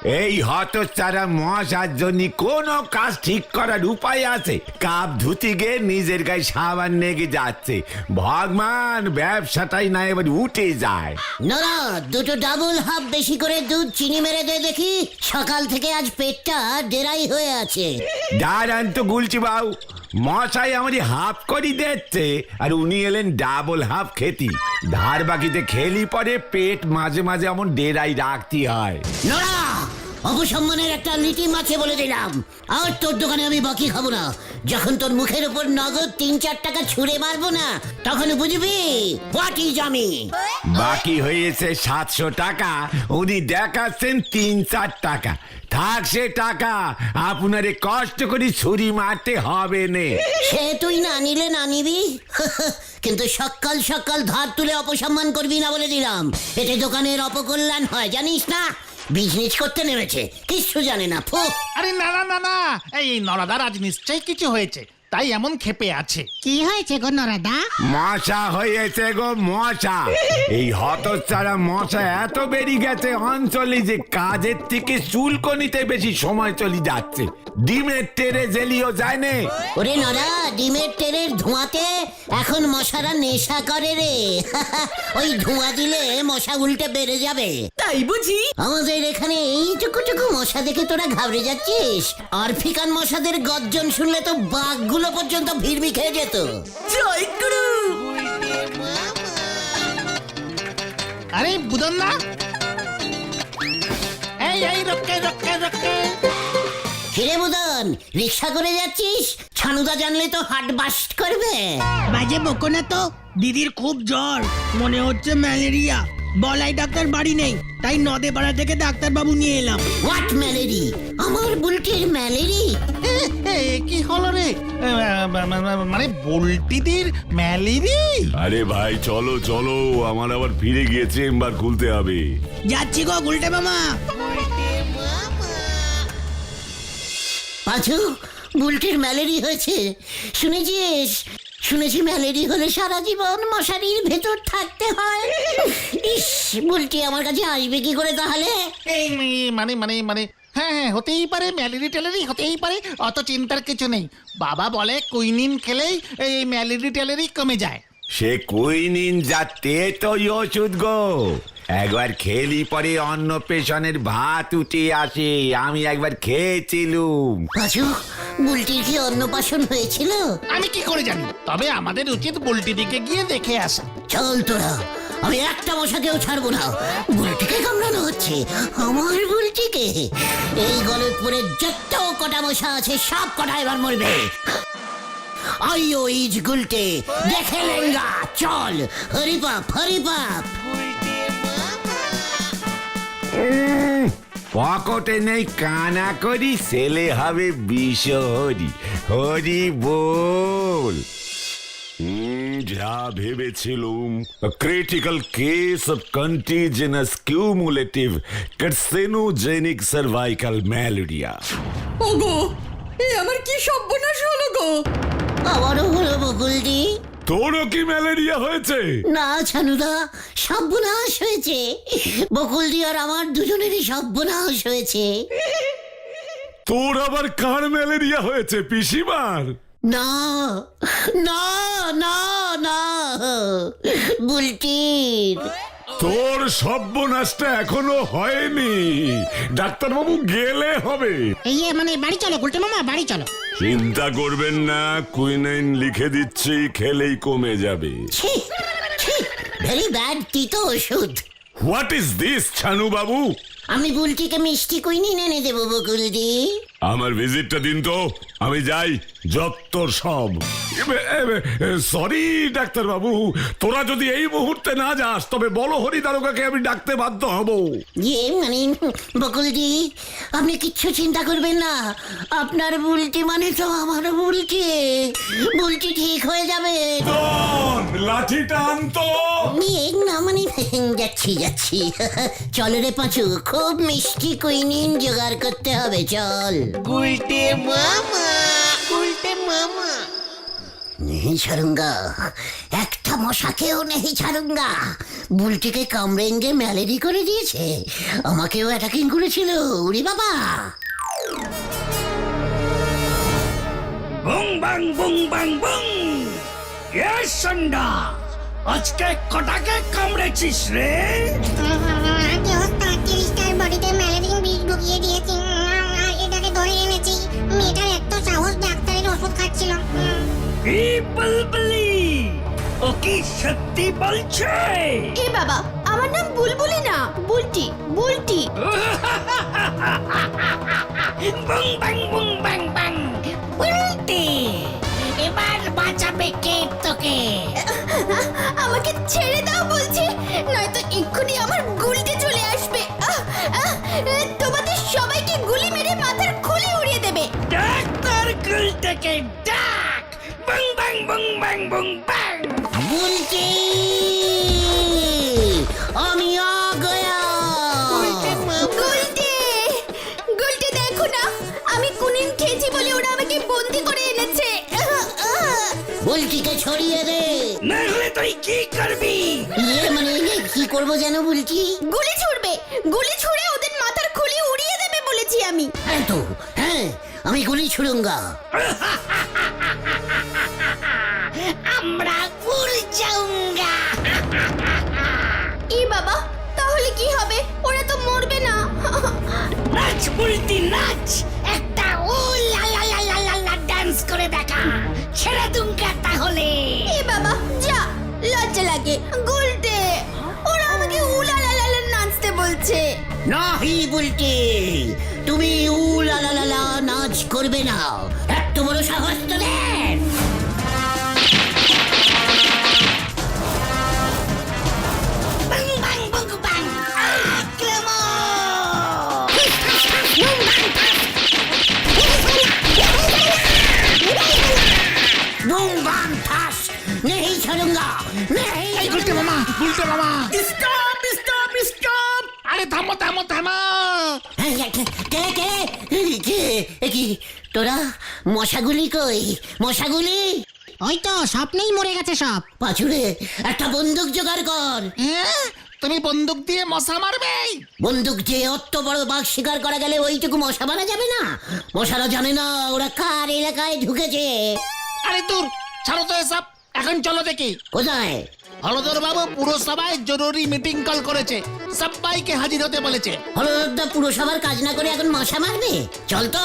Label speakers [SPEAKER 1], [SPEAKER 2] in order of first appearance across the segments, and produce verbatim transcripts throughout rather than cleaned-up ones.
[SPEAKER 1] এই হতচ্ছাড়া মশার জন্য কোনো কাজ ঠিক করার উপায় আছে? কাপ ধুতি গিয়ে নিজের গায়ে সাবান নেগে যাচ্ছে। ভগবান ব্যবসাটাই না এবার উঠে যায়।
[SPEAKER 2] না দুটো ডাবল হাফ বেশি করে দুধ চিনি মেরে দে দেখি, সকাল থেকে আজ পেটটা ডেরাই হয়ে আছে।
[SPEAKER 1] দাঁড়ান তো গুলছি বাবু, মশাই আমারই হাফ করি দিচ্ছে আর উনি এলেন ডাবল হাফ খেতি। ধার বাকিতে খেলি পরে পেট মাঝে মাঝে এমন ডেরাই রাখতে হয়।
[SPEAKER 2] নোরা, অপসম্মানের একটা লিটি মাছে বলে দিলাম, আর তোর দোকানে আমি বাকি খাবো না। যখন তোর মুখের উপর নগদ তিন চার টাকা ছুঁড়ে মারবো না, তখন বুঝবি হোয়াট ইজ আমি।
[SPEAKER 1] বাকি হয়েছে সাতশো টাকা, উনি দেখাচ্ছেন তিন চার টাকা। থাক সে টাকা, আপনারে কষ্ট করে ছুরি মারতে হবে না।
[SPEAKER 2] সে তুই না নিলে না নিবি, কিন্তু সকাল সকাল ধার তুলে অপসম্মান করবি না বলে দিলাম। এতে দোকানের অপকল্যাণ হয় জানিস না। বিজনেস করতে নেমেছে, কিচ্ছু জানে না। ফু।
[SPEAKER 3] আরে না না না না, এই নরাদার আজ নিশ্চয়ই কিছু হয়েছে, তাই এমন ক্ষেপে আছে।
[SPEAKER 4] কি হয়েছে গো নরাদা?
[SPEAKER 1] মশা হয়েছে গো মশা। এই হতচ্ছাড়া মশা এত বেরিয়ে গেছে অঞ্চলে যে কাজের থেকে চুলকনিতে বেশি সময় চলে যাচ্ছে। ডিমের টেরে জেলিও যায় না।
[SPEAKER 2] ওরে নরা, ডিমের তেলের ধোঁয়াতে এখন মশারা নেশা করে রে। ওই ধোঁয়া দিলে মশা উল্টে বেড়ে যাবে।
[SPEAKER 5] তাই বুঝি?
[SPEAKER 2] আমাদের এখানে এইটুকুটুকু মশা দেখে তোরা ঘাবড়ে যাচ্ছিস? আফ্রিকান মশাদের গর্জন শুনলে তো বাঘগুলো পর্যন্ত ভিড়মি খেয়ে যেত।
[SPEAKER 5] জয় গুরু।
[SPEAKER 3] আরে বুদন না, এই এই রক্ষে রক্ষে রক্ষে।
[SPEAKER 2] হিরে বুদন, রিক্সা করে যাচ্ছিস? ছানুদা জানলে তো হার্ট বাস্ট করবে।
[SPEAKER 4] বাজে বকো না তো, দিদির খুব জ্বর, মনে হচ্ছে ম্যালেরিয়া। বলাই ডাক্তার বাড়ি নেই, তাই নদে পাড়া থেকে ডাক্তার বাবু নিয়ে এলাম।
[SPEAKER 2] What malaria? আমার বুলটির ম্যালেরি?
[SPEAKER 3] এ, এ, কি হলো রে? এ, মানে বল্টিদের ম্যালেরি?
[SPEAKER 6] আরে ভাই চলো চলো, আমার আবার ফিরে গিয়ে চেম্বার খুলতে হবে।
[SPEAKER 4] যাচ্ছি গো গুলটে মামা।
[SPEAKER 2] পাঁচু, বুলটির ম্যালেরি হয়েছে শুনেছিস? শুনেছি ম্যালেরি হলে সারা জীবন মশারির ভেতর থাকতে হয়। ইস, বুলটি আমার কাছে আসবে কি করে তাহলে?
[SPEAKER 3] এই মানে মানে মানে হ্যাঁ হ্যাঁ, হতেই পারে ম্যালেরি ট্যালেরি, হতেই পারে, অত চিন্তার কিছু নেই। বাবা বলে কুইনিন খেলেই এই ম্যালেরি ট্যালেরি কমে যায়।
[SPEAKER 1] সে কুইনিন যাতে তো ওষুধ গো। একবার খেলি পরে অন্য পেশনের ভাত উঠে আসে। আমি একবার খেয়েছিলুম।
[SPEAKER 2] পাঁচু, বুলটির কি অন্নপ্রাশন হয়েছিল?
[SPEAKER 3] আমি কি করে জানি, তবে আমাদের উচিত বুলটি দিকে গিয়ে দেখে আসা।
[SPEAKER 2] চল তোরা, আমি একটা মশাকেও ছাড়বো না। বুলটিকে কামড়ানো হচ্ছে, আমার বুলটিকে। এই গলতপুরে যত কটা মশা আছে সব কটা এবার মরবে। আইও ইজ গুলটে, দেখে লেঙ্গা, চল হরিপাপ হরিপাপ।
[SPEAKER 1] পকেটে নেই কানা করি, ছেলে হবে বিষ হরি। হরি বল।
[SPEAKER 6] হুম, যা ভেবেছিলুম, critical case of contagious cumulative carcinogenic cervical malaria.
[SPEAKER 5] ওগো, এ আমার কি সর্বনাশ হলো গো।
[SPEAKER 2] আবারও হলো বকুলদি।
[SPEAKER 6] তোরও কি ম্যালেরিয়া হয়েছে?
[SPEAKER 2] না ছানুদা, সর্বনাশ হয়েছে। বকুলদি আর আমার দুজনেরই সর্বনাশ হয়েছে।
[SPEAKER 6] তোর আবার কার ম্যালেরিয়া হয়েছে? পিসিমার?
[SPEAKER 2] না না না না, বুলটির।
[SPEAKER 6] তোর সর্বনাশটা এখনো হয়নি, ডাক্তারবাবু গেলে হবে।
[SPEAKER 4] এই এ, মানে বাড়ি চলো গুলটে মামা, বাড়ি চলো।
[SPEAKER 6] চিন্তা করবেন না, কুইনাইন লিখে দিচ্ছি, খেলেই কমে যাবে।
[SPEAKER 2] ভেরি ব্যাড তিতো ওষুধ।
[SPEAKER 6] হোয়াট ইজ দিস ছানু বাবু?
[SPEAKER 2] আমি বুলটিকে মিষ্টি কুইনিন এনে দেবো বকুলদি।
[SPEAKER 6] আমার ভিজিটটা দিন তো, আমি যাই। যত সব সরি ডাক্তার বাবু, তোরা যদি এই মুহূর্তে না যাস তবে বলো হরি দারোগাকে আমি ডাকতে বাধ্য হব।
[SPEAKER 2] ইয়ে মানে বকুলদি, আপনি কিচ্ছু চিন্তা করবেন না। আপনার বুলটি মানে তো আমার বুলটি। বুলটি ঠিক হয়ে যাবে।
[SPEAKER 6] লাঠিটা আনতো।
[SPEAKER 2] ইয়ে না মানে যাচ্ছি যাচ্ছি। চল রে পাঁচু, খুব মিষ্টি কুইনিন জোগাড় করতে হবে, চল। नहीं ছাড়ুঙ্গা, একটা মশাকেও নেই ছাড়ুঙ্গা। বুলটিকে কামড়েঙ্গে ম্যালেরি করে দিয়েছে, আমাকেও অ্যাটাকিং করেছিল। উরি বাবা!
[SPEAKER 4] বুং বাং বুং বাং বুং। ইয়েস সন্ডা, আজকে কটাকে কামড়েছিস রে?
[SPEAKER 7] আগে ওস্তাদ তিরিশটার বডিতে ম্যালেরিয়ার বিষ ঢুকিয়ে দিয়েছি। আর এটাকে ধরে এনেছি। মেয়েটার এত সাহস, ডাক্তারের ওষুধ খাচ্ছিল।
[SPEAKER 4] এই বুলবুলি, ও কি সত্যি বলছে?
[SPEAKER 5] এ বাবা, আমার নাম বুলবুলি না, বুলটি বুলটি।
[SPEAKER 4] বুং বাং বুং বাং বাং। বুলটি, এবার বাঁচাবে কে তোকে?
[SPEAKER 5] আমাকে ছেড়ে দাও বলছি, নয়তো এক্ষুনি আমার গুলটি চলে আসবে। আহ, আহ, তোমাদের সবাইকে গুলি মেরে মাথার খুলি উড়িয়ে দেবে।
[SPEAKER 4] ডাক্তার গুলটাকে ডাক। বুং বাং বুং বাং বুং বাং।
[SPEAKER 2] বুলটি, আমি আ গয়া।
[SPEAKER 5] গুলটি, গুলটি দেখো না, আমি কুনিন খেয়েছি বলে ওরা আমাকে বন্দি করে এনেছে। আহ, আহ।
[SPEAKER 2] বুলটিকে ছড়িয়ে দে।
[SPEAKER 4] না হলে তুই কি করবি?
[SPEAKER 2] ইয়ে মানে ইয়ে, কি করবো যেন বুলটি?
[SPEAKER 5] গুলি ছুড়বে, গুলি ছুড়ে ওদের মাথার খুলি উড়িয়ে দেবে বলেছি আমি।
[SPEAKER 2] হ্যাঁ তো, হ্যাঁ, আমি গুলি ছুড়ুঙ্গা।
[SPEAKER 4] আমরা উড় যাউঙ্গা।
[SPEAKER 5] ই বাবা, তাহলে কি হবে? ওরা তো মরবে না।
[SPEAKER 4] নাচ বুলটি নাচ, একটা উ লা লা লা লা লা লা ডান্স করে দেখা। ছেড়ে দুঙ্গা তাহলে।
[SPEAKER 5] এ বাবা, যা, লজ্জা লাগে। গুলটে, ওরা আমাকে উলা লা লা লা নাচতে বলছে।
[SPEAKER 2] নাহি বুলটি, তুমি উ লা লা লা লা নাচ করবে না। এত বড় সাহস তোদের!
[SPEAKER 4] বাং বাং বুং বাং আক্রমণ।
[SPEAKER 2] বুম বাম ঠাস, নেহি ছাড়ুঙ্গা, নেহি।
[SPEAKER 3] এই গুলটে মামা, গুলটে মামা,
[SPEAKER 2] স্টপ স্টপ স্টপ!
[SPEAKER 3] আরে থামো থামো থামো।
[SPEAKER 2] কে কে কে এ কি তোরা? মশাগুলি কই? মশাগুলি
[SPEAKER 8] ওই তো স্বপ্নেই মরে গেছে সব।
[SPEAKER 2] পাছুরে, একটা বন্দুক জোগাড় কর।
[SPEAKER 3] হ্যাঁ, তুমি বন্দুক দিয়ে মশা মারবে?
[SPEAKER 2] বন্দুক যে অত বড় বাঘ শিকার করা গেলে ওইটুকু মশা মারা যাবে না? মশারা জানে না ওরা কার এলাকায় ঢুকেছে।
[SPEAKER 3] আরে দূর, ছাড়ো তো এসব। এখন চলো দেখি।
[SPEAKER 2] কোথায়?
[SPEAKER 3] হলদর বাবু পুরসভায় জরুরি মিটিং কল করেছে, সবাইকে হাজির হতে বলেছে।
[SPEAKER 2] হলদা পুরসভার কাজ না করে এখন মশা মারবে? চল তো।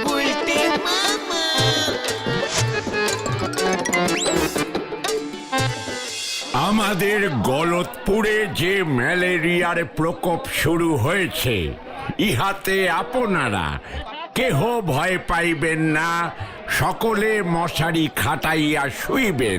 [SPEAKER 1] আমাদের গলতপুরে যে ম্যালেরিয়ার প্রকোপ শুরু হয়েছে, ইহাতে আপনারা কেহ ভয় পাইবেন না। সকলে মশারি খাটাইয়া শুইবেন।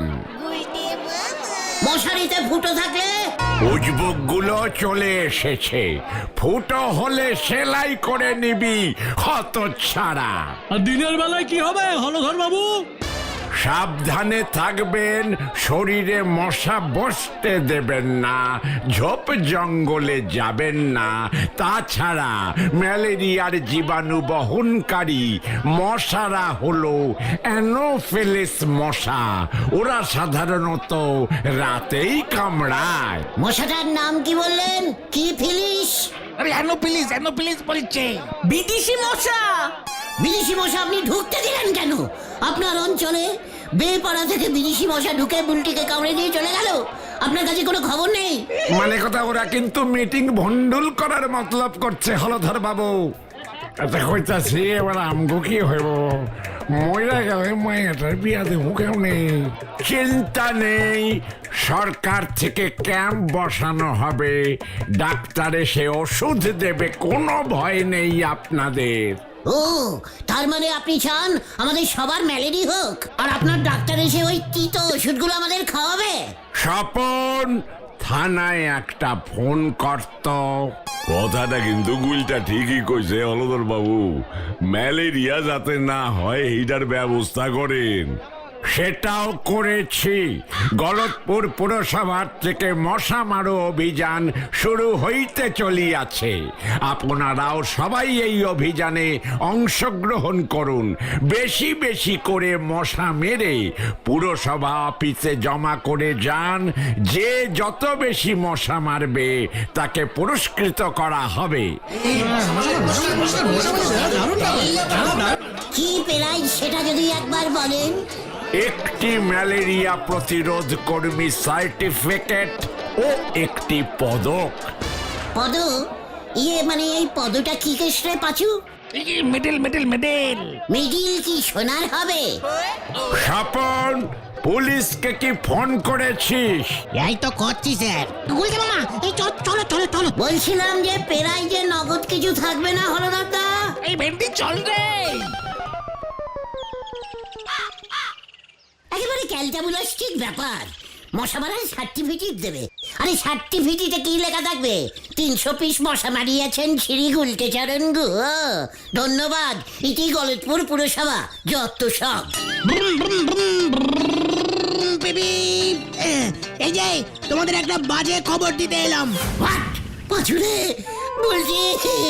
[SPEAKER 2] মশারিতে ফুটো থাকলে
[SPEAKER 1] উজবুক গুলো চলে এসেছে, ফুটো হলে সেলাই করে নিবি হত ছাড়া।
[SPEAKER 9] আর দিনের বেলায় কি হবে হলধর বাবু?
[SPEAKER 1] সাবধানে থাকবেন, শরীরে মশা বসতে দেবেন না, ঝোপ জঙ্গলে যাবেন না। তাছাড়া ম্যালেরিয়ার জীবাণু বহনকারী মশারা হলো অ্যানোফিলিস মশা। ওরা সাধারণত রাতেই কামড়ায়।
[SPEAKER 2] মশাটার নাম কি বললেন? কি ফিলিস?
[SPEAKER 3] আরে অ্যানোফিলিস, অ্যানোফিলিস বলছে।
[SPEAKER 5] বিদেশি মশা।
[SPEAKER 2] বিদেশি মশা আপনি ঢুকতে দিলেন কেন? আপনার অঞ্চলে বেপাড়া থেকে বিদেশি মশা ঢুকে বুলটিকে কামড়ে দিয়ে চলে গেল, আপনার কাছে কোনো খবর নেই?
[SPEAKER 1] মানে কথা, ওরা কিন্তু মিটিং ভন্ডুল করার মতলব করছে হলধর বাবু। এটা কইতাছি, এবার আমগো কি হইব? ময়রা গেলে মায়েটার বিয়া দেবো কেউ নেই। চিন্তা নেই, সরকার থেকে ক্যাম্প বসানো হবে, ডাক্তার এসে ওষুধ দেবে, কোনো ভয় নেই আপনাদের।
[SPEAKER 2] ও, তার মানে আপনি চান আমাদের সবার ম্যালেরি হোক, আর আপনার ডাক্তার এসে ওই তিতো ওষুধগুলো আমাদের খাওয়াবে?
[SPEAKER 1] স্বপন, থানায় একটা ফোন করত।
[SPEAKER 6] কথাটা কিন্তু গুলটা ঠিকই কইছে হলধর বাবু। ম্যালেরিয়া যাতে না হয় এইটার ব্যবস্থা করেন।
[SPEAKER 1] সেটাও করেছি। গলতপুর পুরসভার থেকে মশা মারো অভিযান শুরু হইতে চলিয়াছে। আপনারাও সবাই এই অভিযানে অংশগ্রহণ করুন। বেশি বেশি করে মশা মেরে পুরসভা অফিসে জমা করে যান। যে যত বেশি মশা মারবে তাকে পুরস্কৃত করা হবে।
[SPEAKER 2] কি পেরাই সেটা যদি একবার বলেন।
[SPEAKER 1] একটি ম্যালেরিয়া প্রতিরোধ কর্মী সার্টিফিকেট ও একটি পদক।
[SPEAKER 2] পদ ইয়ে মানে এই পদটা কি কেসরে পাচু?
[SPEAKER 3] মেডেল মেডেল মেডেল
[SPEAKER 2] মিডিল কি সোনার হবে?
[SPEAKER 1] স্বপন, পুলিশকে কি ফোন করেছিস?
[SPEAKER 8] এই তো করছি স্যার। গুলতে মামা এই চল চলো চলো চলো।
[SPEAKER 2] বলছিলাম যে পেরাই যে নগদ কিছু থাকবে না হলো দাদা।
[SPEAKER 3] এই ভেন্ডি চল রে।
[SPEAKER 2] একেবারে ক্যালটাবুলাস্টিক ব্যাপার। মশা মারার সার্টিফিকেট দেবে। আরে সার্টিফিকেটে কি লেখা থাকবে? তিনশো পিস মশা মারিয়েছেন শ্রী গুলকে চরণ গো। ধন্যবাদ। ইতি গলতপুর পুরসভা যত সব।
[SPEAKER 4] এই যে তোমাদের একটা বাজে খবর দিতে এলাম।
[SPEAKER 2] হোয়াট? পাছুরে বলছি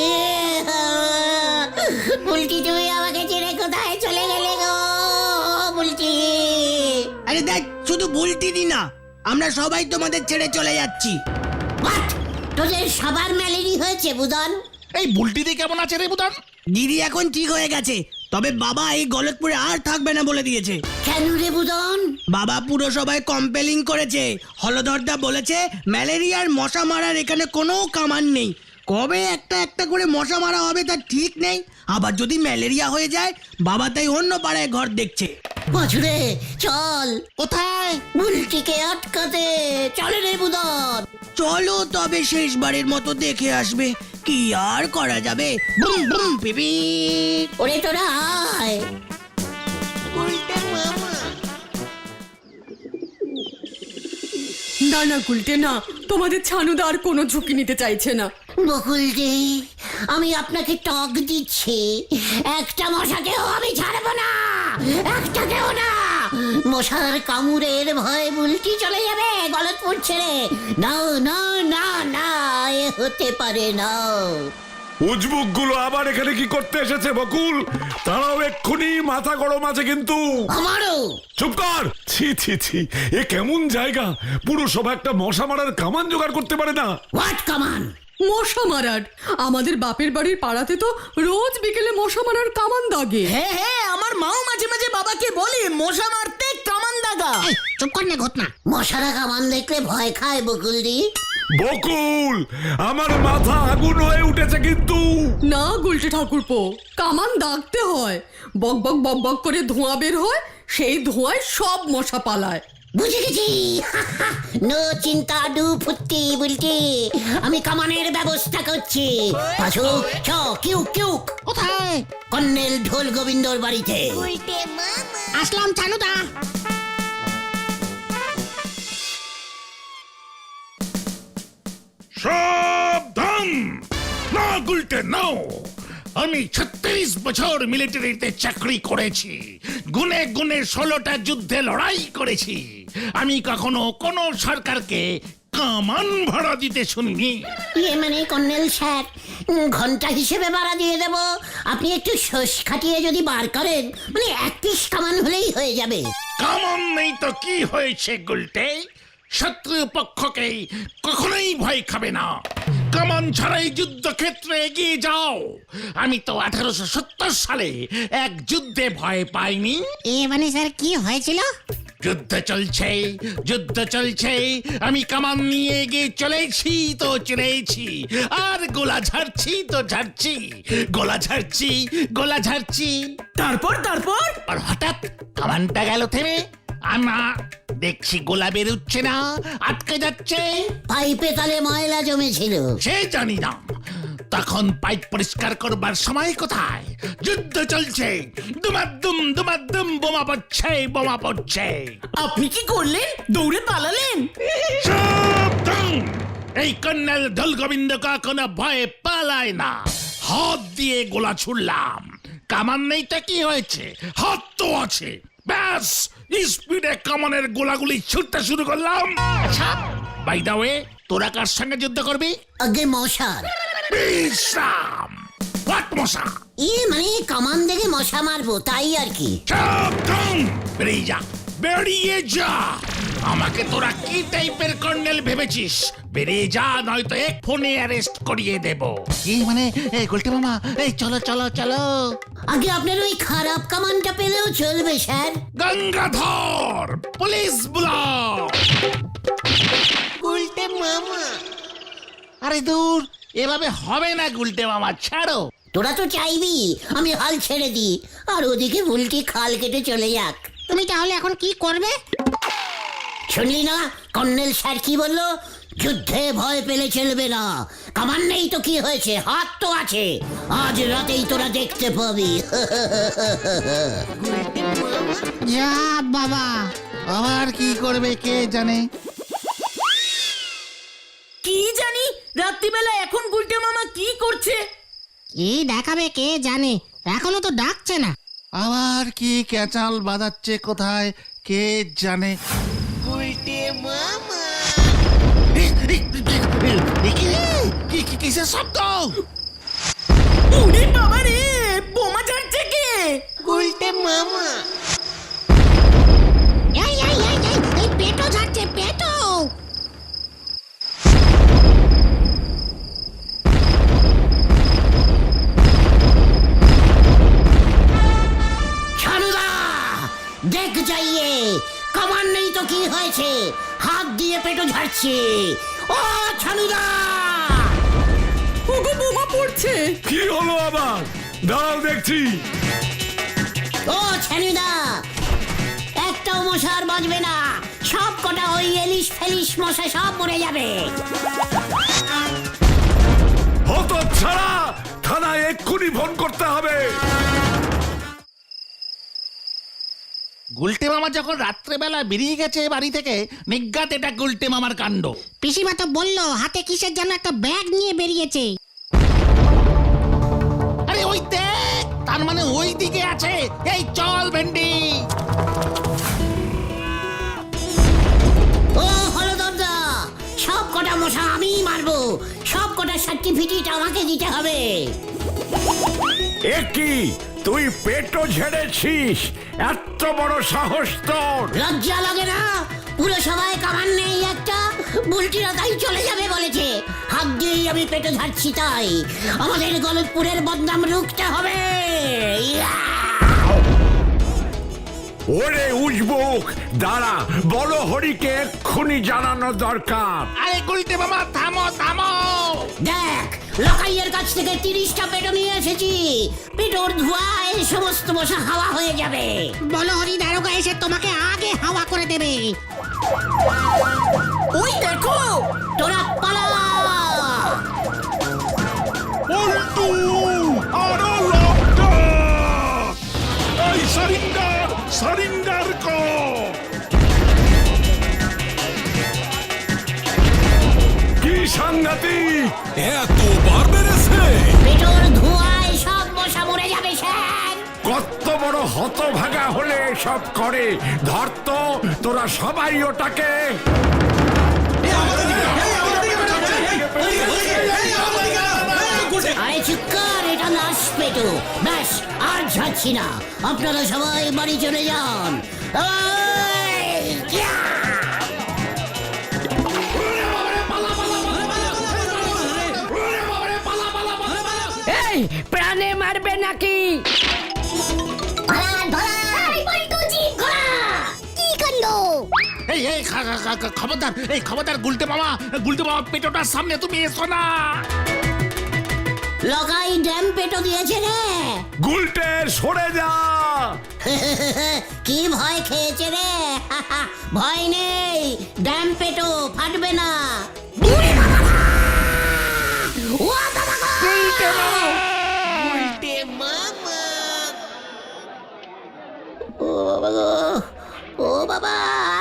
[SPEAKER 2] বলছি তুমি আমাকে ছেড়ে কোথায় চলে গেলে গো? বলছি
[SPEAKER 4] আরে দেখ, শুধু বুলটি দি না, আমরা সবাই তোমাদের ছেড়ে চলে যাচ্ছি।
[SPEAKER 2] হোয়াট? তোদের সবার ম্যালেরি হয়েছে বুদন?
[SPEAKER 3] এই বুলটিতে কেমন আছে রে বুদান?
[SPEAKER 4] দিদি এখন ঠিক হয়ে গেছে, তবে বাবা এই গলতপুরে আর থাকবে না বলে দিয়েছে।
[SPEAKER 2] কেন রে বুদন?
[SPEAKER 4] বাবা পুরসভায় কম্পেলিং করেছে। হলধরদা বলেছে ম্যালেরিয়ার মশা মারার এখানে কোনো কামান নেই। কবে একটা একটা করে মশা মারা হবে তার ঠিক নেই। আবার যদি ম্যালেরিয়া হয়ে যায়, বাবা তাই অন্য পাড়ায় ঘর দেখছে।
[SPEAKER 2] পাছুরে চল।
[SPEAKER 3] কোথায়?
[SPEAKER 2] বুলটিকে আটকাতে চলে রে বুদন।
[SPEAKER 4] চলো তবে শেষবারের মতো দেখে আসবে। কি আর করা যাবে। বুম বুম পিপি।
[SPEAKER 2] ওরে তোরা আয়।
[SPEAKER 10] না না গুলটে না, তোমাদের ছানুদা আর কোনো ঝুঁকি নিতে চাইছে না।
[SPEAKER 2] বকুলদি, আমি আপনাকে টক দিচ্ছি। একটা মশাকেও আমি ছাড়বো না, একটাকেও না। মশার কামড়ের ভয়ে বুলটি চলে যাবে গলতপুর ছেড়ে। না না না না, এ হতে পারে না।
[SPEAKER 6] উজবুক গুলো আবার এখানে কি করতে এসেছে বকুল? তারাও এক্ষুনি মাথা গরম আছে কিন্তু।
[SPEAKER 2] আমারও।
[SPEAKER 6] চুপ কর। ছি ছি ছি, এ কেমন জায়গা? পুরসভা একটা মশা মারার কামান জোগাড় করতে পারে না।
[SPEAKER 2] হোয়াট কামান?
[SPEAKER 10] মশা মারার? আমাদের বাপের বাড়ির পাড়াতে তো রোজ বিকেলে মশা মারার কামান দাগে।
[SPEAKER 4] হ্যাঁ হ্যাঁ, আমার মাও মাঝে মাঝে বাবাকে বলে মশা মারতে কামান দাগা।
[SPEAKER 8] চুপ কর না ঘটনা।
[SPEAKER 2] মশারা কামান দেখলে ভয় খায় বকুলদি।
[SPEAKER 6] বকুল, আমার মাথা আগুন হয়ে উঠেছে কিন্তু।
[SPEAKER 10] না গুলটে ঠাকুরপো, কামান দাগতে হয়। বক বক বক বক করে ধোঁয়া বের হয়, সেই ধোঁয়ায় সব মশা পালায়।
[SPEAKER 2] বুঝে গেছি। নো চিন্তা ডু ফুটি বুলটি, আমি কামানের ব্যবস্থা করছি। পাছু চ কিউ কিউ।
[SPEAKER 3] কোথায়?
[SPEAKER 2] কর্নেল ঢোল গোবিন্দর বাড়িতে।
[SPEAKER 8] আসলাম ছানুদা।
[SPEAKER 3] সাবধান! না গুলটে নাও। আমি ছত্রিশ বছর মিলিটারিতে চাকরি করেছি। গুনে গুনে ষোলোটা যুদ্ধে লড়াই করেছি। আমি কখনো কোনো সরকারকে কামান ভাড়া দিতে শুনিনি।
[SPEAKER 2] ইয়ে মানে কর্নেল স্যার, ঘন্টা হিসেবে ভাড়া দিয়ে দেব। আপনি একটু শোষ খাটিয়ে যদি বার করেন, মানে এক পিস কামান হলেই হয়ে যাবে।
[SPEAKER 3] কামান নেই তো কি হয়েছে গুলটে? শত্রু পক্ষকে কখনোই ভয় খাবে না। কামান ছাড়াই যুদ্ধক্ষেত্রে এগিয়ে যাও। আমি তো আঠারোশো সত্তর সালে এক যুদ্ধে ভয় পাইনি।
[SPEAKER 8] এ মানে স্যার কি হয়েছিল?
[SPEAKER 3] যুদ্ধ চলছে, যুদ্ধ চলছে, আমি কামান নিয়ে এগিয়ে চলেছি তো চলেছি, আর গোলা ঝাড়ছি তো ঝাড়ছি, গোলা ঝাড়ছি, গোলা ঝাড়ছি।
[SPEAKER 4] তারপর তারপর
[SPEAKER 3] আর হঠাৎ কামানটা গেল থেমে। আমা দেখছি গোলা বেরোচ্ছে না, আটকে যাচ্ছে।
[SPEAKER 2] পাইপে তালে ময়লা জমেছিল।
[SPEAKER 3] সে জানি না। তখন পাইপ পরিষ্কার করবার সময় কোথায়? যুদ্ধ চলছে, দুমাদ্দুম দুমাদ্দুম বোমা পড়ছে, বোমা পড়ছে।
[SPEAKER 4] আপনি কি করলেন? দৌড়ে পালালেন?
[SPEAKER 3] সাবধান! এই কর্নেল ঢোল গোবিন্দ কখনো ভয়ে পালায় না। হাত দিয়ে গোলা ছুড়লাম। কামান নেই তো কি হয়েছে? হাত তো আছে। ব্যাস স্পিডে কামানের গোলাগুলি ছুটতে শুরু করলাম। আচ্ছা বাই দা ওয়ে, তোরা কার সঙ্গে যুদ্ধ করবি?
[SPEAKER 2] আগে মশার।
[SPEAKER 3] বিশ্রাম। হোয়াট মশা?
[SPEAKER 2] ই মানে কামান দেখে মশা মারবো তাই আর কি।
[SPEAKER 3] সাবধান! বেরিয়ে যা, বেরিয়ে যা। আমাকে তোরা কি টাইপের কর্নেল ভেবেছিস? বেরিয়ে যা, নয়তো এক ফোনে অ্যারেস্ট করিয়ে দেব।
[SPEAKER 8] কি মানে এই গুলটে মামা, এই চলো চলো চলো।
[SPEAKER 2] আগে আপনার ওই খারাপ কামানটা পেলেও চলবে স্যার।
[SPEAKER 3] গঙ্গাধর, পুলিশ বুলাও।
[SPEAKER 8] গুলটে মামা, আরে দূর,
[SPEAKER 3] এভাবে হবে না গুলটে মামা, ছাড়ো।
[SPEAKER 2] তোরা তো চাইবি আমি হাল ছেড়ে দিই আর ওদিকে ভুলটি খাল কেটে চলে যাক।
[SPEAKER 8] তুমি তাহলে এখন কি করবে?
[SPEAKER 2] শুনলি না কর্নেল স্যার কি বললো? যুদ্ধে ভয় পেলে চলবে না। কামান নেই তো কি হয়েছে, হাত তো আছে। আজ রাতেই তোরা দেখতে পাবি।
[SPEAKER 8] যা বাবা, আবার কি করবে কে জানে।
[SPEAKER 10] কি জানি রাত্রিবেলা এখন গুলটে মামা কি করছে।
[SPEAKER 8] কি দেখাবে কে জানে, এখনো তো ডাকছে না।
[SPEAKER 3] আবার কি ক্যাচাল বাজাচ্ছে কোথায় কে জানে। কিসের শব্দ?
[SPEAKER 10] ওরে বাবা রে, বোমা ছাড়ছে কে?
[SPEAKER 8] গুলটে মামা, এই এই এই এই, এই পেটো যাচ্ছে পেটো।
[SPEAKER 2] ছানুদা দেখ যাইয়ে, কামান নেই তো কি হয়েছে, হাত দিয়ে পেটো ঝাড়ছে। ও ছানুদা!
[SPEAKER 10] ওগো বোমা পড়ছে।
[SPEAKER 6] কি হলো আবার? দাঁড়াও দেখছি।
[SPEAKER 2] ও ছানুদা, একটাও মশা আর বাঁচবে না। সব কটা ওই এলিশ ফেলিশ মশা সব মরে যাবে।
[SPEAKER 6] হতো ছাড়া, থানায় এক্ষুনি ফোন করতে হবে।
[SPEAKER 3] গুলটে মামা যখন রাত্রেবেলা বেরিয়ে গেছে বাড়ি থেকে, নিজ্ঞাত এটা গুলটে মামার কাণ্ড।
[SPEAKER 8] পিসিমা তো বললো হাতে কিসের যেন একটা ব্যাগ নিয়ে বেরিয়েছে।
[SPEAKER 3] আরে ওই দেখ, তার মানে ওই দিকে আছে। এই চল ভেন্ডি।
[SPEAKER 2] ও হলদরদা, সব কটা মশা আমিই মারবো। সব কটা সার্টিফিকেট আমাকে দিতে হবে।
[SPEAKER 1] এ কি, তুই পেটও ঝেড়েছিস? এত বড় সাহস তোর!
[SPEAKER 2] লজ্জা লাগে না? পুরো সবাই কামান নেই একটা, বুলটিরা তাই চলে যাবে বলেছে। হাত দিয়েই আমি পেটে ঝাড়ছি তাই। আমাদের গলতপুরের বদনাম রুখতে হবে। ইয়া!
[SPEAKER 1] ওরে উজবুক, দাঁড়া, বড় হরিকে এক্ষুনি জানানো দরকার।
[SPEAKER 3] আরে গুলটে মামা থামো থামো।
[SPEAKER 2] দেখ, লকাইয়ের কাছ থেকে তিরিশটা পেটো নিয়ে এসেছি। পেটোর ধোঁয়ায় সমস্ত মশা হাওয়া হয়ে যাবে।
[SPEAKER 8] বলো হরি দারোগা এসে তোমাকে আগে হাওয়া করে দেবে।
[SPEAKER 10] ওই দেখো,
[SPEAKER 2] তোরা পালা।
[SPEAKER 3] পল্টু, আরো লঙ্কা। এই সারিন্ডার, সারিন্ডার কর।
[SPEAKER 6] কি সাংঘাতিক! এতবার বেড়েছে!
[SPEAKER 2] পেটোর ধোঁয়ায় সব মশা মরে যাবে স্যার।
[SPEAKER 1] কত বড় হতভাগা হলে সব করে। ধরত তোরা সবাই ওটাকে।
[SPEAKER 2] আরে চুপ কর, এটা নাশ পেটো। ব্যাস, আর ঝাড়ছি না। আপনারা সবাই বাড়ি চলে যান। ওই, ইয়া!
[SPEAKER 10] এই প্রাণে মারবে নাকি?
[SPEAKER 7] কি কাণ্ড!
[SPEAKER 3] এই এই খা- খা- খা- খা- খবরদার, এই খবরদার গুলটে মামা, গুলটে মামা পেটোটার সামনে তুমি এসো না।
[SPEAKER 2] লগাই ড্যাম পেটো দিয়েছে রে।
[SPEAKER 1] গুলটে সরে যা!
[SPEAKER 2] কি ভয় খেয়েছে রে? ভয় নেই, ড্যাম পেটো ফাটবে না। ও বাবা গো! ও বাবা গো! ও বাবা!